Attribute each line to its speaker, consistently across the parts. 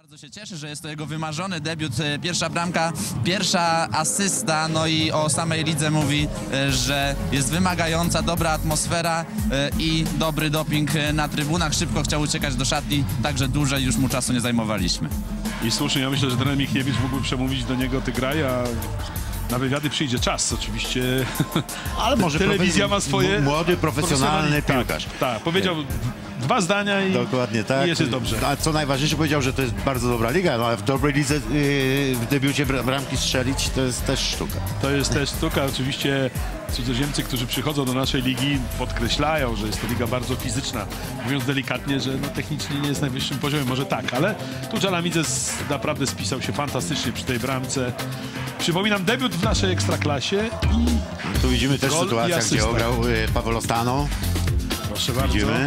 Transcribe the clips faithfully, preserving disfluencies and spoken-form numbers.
Speaker 1: Bardzo się cieszę, że jest to jego wymarzony debiut, pierwsza bramka, pierwsza asysta, no i o samej lidze mówi, że jest wymagająca, dobra atmosfera i dobry doping na trybunach. Szybko chciał uciekać do szatni, także dłużej już mu czasu nie zajmowaliśmy.
Speaker 2: I słusznie, ja myślę, że trener Michniewicz mógłby przemówić do niego: ty graj, a na wywiady przyjdzie czas oczywiście.
Speaker 3: Ale może
Speaker 2: telewizja ma swoje...
Speaker 3: Młody, profesjonalny piłkarz.
Speaker 2: Tak, tak, powiedział dwa zdania i
Speaker 3: dokładnie tak.
Speaker 2: I jest dobrze.
Speaker 3: A co najważniejsze, powiedział, że to jest bardzo dobra liga, no ale w dobrej lidze yy, w debiucie bramki strzelić to jest też sztuka.
Speaker 2: To jest też sztuka. Oczywiście cudzoziemcy, którzy przychodzą do naszej ligi, podkreślają, że jest to liga bardzo fizyczna. Mówiąc delikatnie, że no, technicznie nie jest na najwyższym poziomie, może tak, ale tu Dżalamidze naprawdę spisał się fantastycznie przy tej bramce. Przypominam, debiut w naszej ekstraklasie i
Speaker 3: tu widzimy też
Speaker 2: gol
Speaker 3: sytuację, gdzie ograł y, Paweł Ostano.
Speaker 2: Proszę bardzo.
Speaker 3: Widzimy.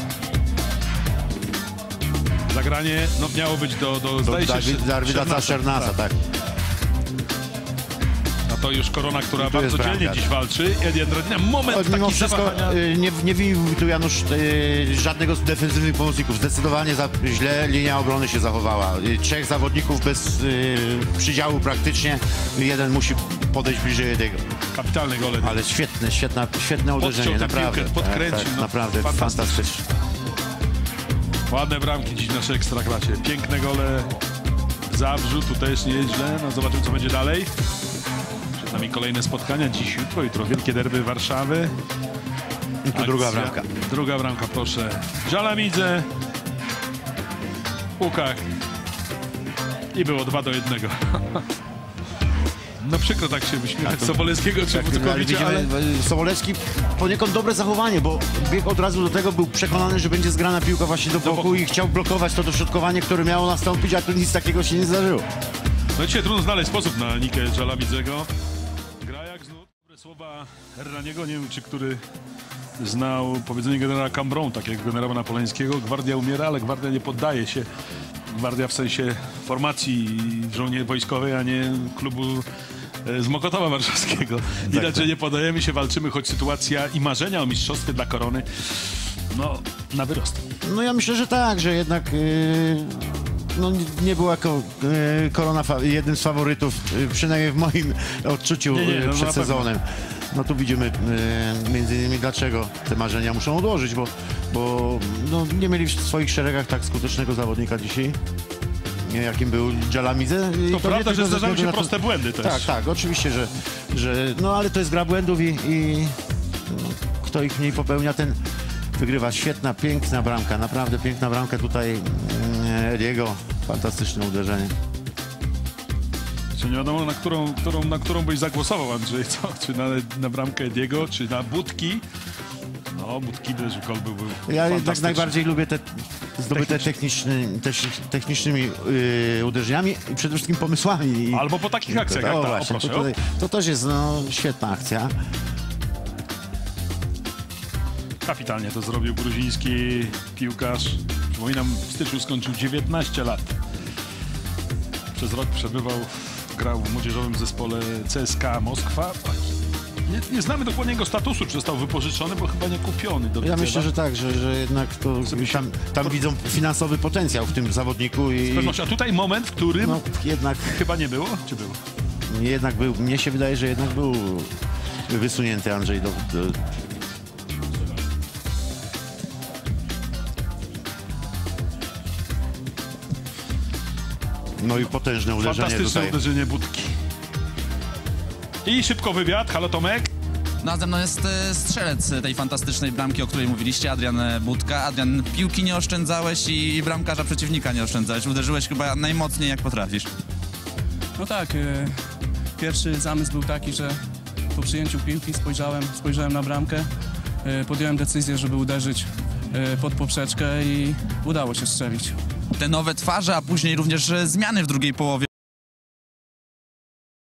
Speaker 2: Zagranie no, miało być do, do,
Speaker 3: do
Speaker 2: zdaje się,
Speaker 3: Darwida Szernasa, tak. tak.
Speaker 2: A to już Korona, która bardzo dzielnie dziś walczy. Edian Radina, moment
Speaker 3: Od, mimo
Speaker 2: taki
Speaker 3: wszystko
Speaker 2: zawahania.
Speaker 3: nie, nie winił tu Janusz y, żadnego z defensywnych pomocników. Zdecydowanie za, źle linia obrony się zachowała. Y, trzech zawodników bez y, przydziału praktycznie. Jeden musi podejść bliżej jego.
Speaker 2: Kapitalny gol.
Speaker 3: Ale świetne, świetna, świetne uderzenie, naprawdę.
Speaker 2: Piłkę, podkręcił,
Speaker 3: tak, tak,
Speaker 2: no,
Speaker 3: naprawdę fantastyczne.
Speaker 2: Ładne bramki dziś w naszej ekstraklasie. Piękne gole w Zabrzu, tu też nie jest źle. No, zobaczymy, co będzie dalej. Przed nami kolejne spotkania dziś, jutro, jutro wielkie derby Warszawy.
Speaker 3: I tu druga bramka.
Speaker 2: Druga bramka, proszę. Dżalamidze. Łukach. I było dwa do jednego. No przykro tak się uśmiechać tak, Sobolewskiego czy Wódkowicza, ale, ale...
Speaker 3: Sobolewski poniekąd dobre zachowanie, bo biegł od razu do tego, był przekonany, że będzie zgrana piłka właśnie do boku, do boku. i chciał blokować to dośrodkowanie, które miało nastąpić, a tu nic takiego się nie zdarzyło.
Speaker 2: No dzisiaj trudno znaleźć sposób na Nikę Dżalamidzego. Gra jak znów. Dobre słowa Hernaniego, nie wiem czy który znał powiedzenie generała Cambron, tak jak generała Napoleńskiego. Gwardia umiera, ale gwardia nie poddaje się. Gwardia w sensie formacji żołnierzy wojskowej, a nie klubu z Mokotowa Warszawskiego. Widać, tak, że nie podajemy się, walczymy, choć sytuacja i marzenia o mistrzostwie dla Korony, no, na wyrost.
Speaker 3: No ja myślę, że tak, że jednak yy, no, nie była ko, yy, Korona jednym z faworytów, yy, przynajmniej w moim odczuciu nie, nie, no, przed sezonem. No tu widzimy yy, między innymi dlaczego te marzenia muszą odłożyć, bo, bo no, nie mieli w swoich szeregach tak skutecznego zawodnika dzisiaj, jakim był Dżalamidze.
Speaker 2: To, to prawda, że zdarzają się proste to... błędy też.
Speaker 3: Tak, tak, oczywiście, że, że no ale to jest gra błędów i, i no, kto ich mniej popełnia, ten wygrywa. Świetna, piękna bramka, naprawdę piękna bramka tutaj Ediego, fantastyczne uderzenie.
Speaker 2: Czy nie wiadomo, na którą, którą, na którą byś zagłosował, Andrzej, co? Czy na, na bramkę Ediego, czy na Budki? No, Budki też gol był, był
Speaker 3: Ja jednak najbardziej lubię te zdobyte techniczny, technicznymi yy, uderzeniami i przede wszystkim pomysłami.
Speaker 2: Albo po takich akcjach, jak
Speaker 3: o,
Speaker 2: ta,
Speaker 3: właśnie,
Speaker 2: o, proszę,
Speaker 3: to, tutaj, to też jest no, świetna akcja.
Speaker 2: Kapitalnie to zrobił gruziński piłkarz. Przypominam, w styczniu skończył dziewiętnaście lat. Przez rok przebywał, grał w młodzieżowym zespole C S K A Moskwa. Nie, nie znamy dokładnie jego statusu, czy został wypożyczony, bo chyba nie kupiony. Do
Speaker 3: ja myślę, że tak, że, że jednak to tam, tam widzą finansowy potencjał w tym zawodniku. I...
Speaker 2: Z pewnością. A tutaj moment, w którym
Speaker 3: no, jednak
Speaker 2: chyba nie było, czy było?
Speaker 3: Jednak był, mnie się wydaje, że jednak był wysunięty Andrzej do... do... No i potężne uderzenie
Speaker 2: Fantastyczne
Speaker 3: tutaj.
Speaker 2: uderzenie Budki. I szybko wywiad. Halo Tomek.
Speaker 1: No a ze mną jest strzelec tej fantastycznej bramki, o której mówiliście, Adrian Budka. Adrian, piłki nie oszczędzałeś i bramkarza przeciwnika nie oszczędzałeś. Uderzyłeś chyba najmocniej jak potrafisz.
Speaker 4: No tak, yy, pierwszy zamysł był taki, że po przyjęciu piłki spojrzałem, spojrzałem na bramkę, yy, podjąłem decyzję, żeby uderzyć yy, pod poprzeczkę i udało się strzelić.
Speaker 1: Te nowe twarze, a później również zmiany w drugiej połowie.